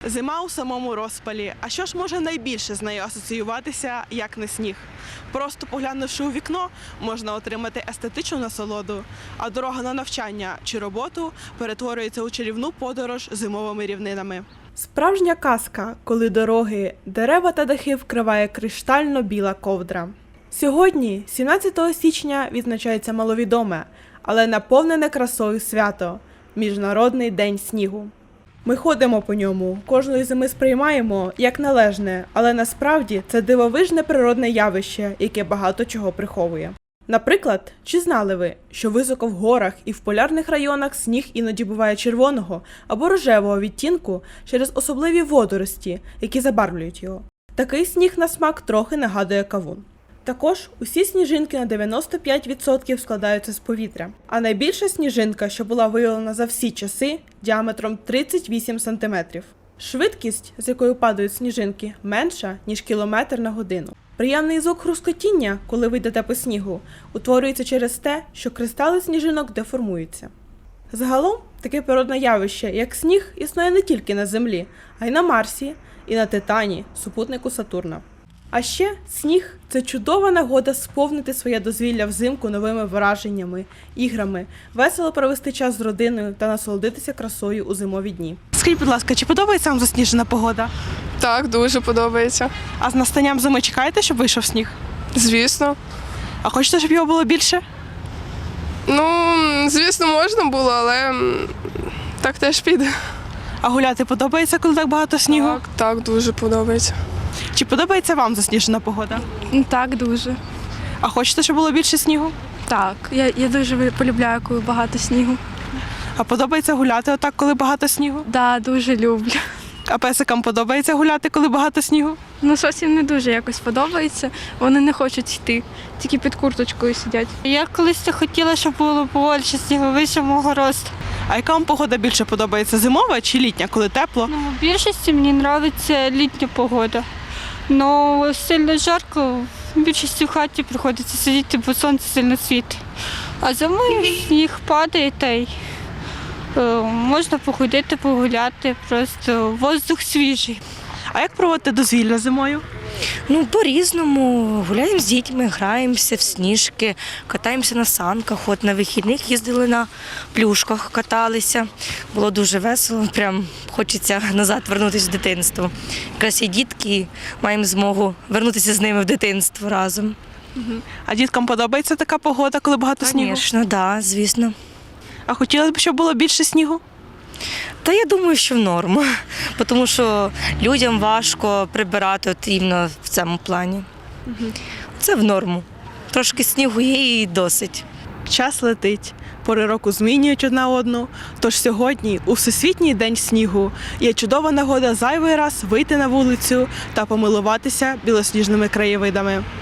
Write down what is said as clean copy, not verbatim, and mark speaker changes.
Speaker 1: Зима у самому розпалі. А що ж може найбільше з нею асоціюватися, як не сніг? Просто поглянувши у вікно, можна отримати естетичну насолоду, а дорога на навчання чи роботу перетворюється у чарівну подорож зимовими рівнинами. Справжня казка, коли дороги, дерева та дахи вкриває криштально-біла ковдра. Сьогодні, 17 січня, відзначається маловідоме, але наповнене красою свято – Міжнародний день снігу. Ми ходимо по ньому, кожної зими сприймаємо як належне, але насправді це дивовижне природне явище, яке багато чого приховує. Наприклад, чи знали ви, що високо в горах і в полярних районах сніг іноді буває червоного або рожевого відтінку через особливі водорості, які забарвлюють його? Такий сніг на смак трохи нагадує кавун. Також усі сніжинки на 95% складаються з повітря, а найбільша сніжинка, що була виявлена за всі часи, діаметром 38 см. Швидкість, з якою падають сніжинки, менша, ніж кілометр на годину. Приємний звук хрускотіння, коли ви йдете по снігу, утворюється через те, що кристали сніжинок деформуються. Загалом, таке природне явище, як сніг, існує не тільки на Землі, а й на Марсі і на Титані, супутнику Сатурна. А ще сніг – це чудова нагода сповнити своє дозвілля взимку новими враженнями, іграми, весело провести час з родиною та насолодитися красою у зимові дні. Скажіть, будь ласка, чи подобається вам засніжена погода?
Speaker 2: Так, дуже подобається.
Speaker 1: А з настанням зими чекаєте, щоб вийшов сніг?
Speaker 2: Звісно.
Speaker 1: А хочете, щоб його було більше?
Speaker 2: Ну, звісно, можна було, але так теж піде.
Speaker 1: А гуляти подобається, коли так багато снігу?
Speaker 2: Так, дуже подобається.
Speaker 1: Чи подобається вам засніжена погода?
Speaker 3: Так, дуже.
Speaker 1: А хочете, щоб було більше снігу?
Speaker 3: Так, я дуже полюбляю, коли багато снігу.
Speaker 1: А подобається гуляти отак, коли багато снігу?
Speaker 3: Так, дуже люблю.
Speaker 1: А песикам подобається гуляти, коли багато снігу?
Speaker 3: Ну, зовсім не дуже якось подобається. Вони не хочуть йти, тільки під курточкою сидять.
Speaker 4: Я колись хотіла, щоб було більше снігу, вище мого росту.
Speaker 1: А яка вам погода більше подобається, зимова чи літня, коли тепло?
Speaker 4: Ну, в більшості мені подобається літня погода. Ну, сильно жарко, в більшості в хаті приходиться сидіти, бо сонце сильно світить. А зимою сніг падає, та й можна походити, погуляти, просто воздух свіжий.
Speaker 1: А як проводити дозвілля зимою?
Speaker 5: Ну, по-різному. Гуляємо з дітьми, граємося в сніжки, катаємося на санках. От на вихідних їздили на плюшках, каталися. Було дуже весело, прям хочеться назад вернутися в дитинство. Якраз є дітки, маємо змогу вернутися з ними в дитинство разом.
Speaker 1: А діткам подобається така погода, коли багато снігу?
Speaker 5: Звісно, так, звісно.
Speaker 1: А хотілося б, щоб було більше снігу?
Speaker 5: Та я думаю, що в норму, тому що людям важко прибирати от іменно в цьому плані. Це в норму. Трошки снігу є і досить.
Speaker 1: Час летить, пори року змінюють одна одну, тож сьогодні, у Всесвітній день снігу, є чудова нагода зайвий раз вийти на вулицю та помилуватися білосніжними краєвидами.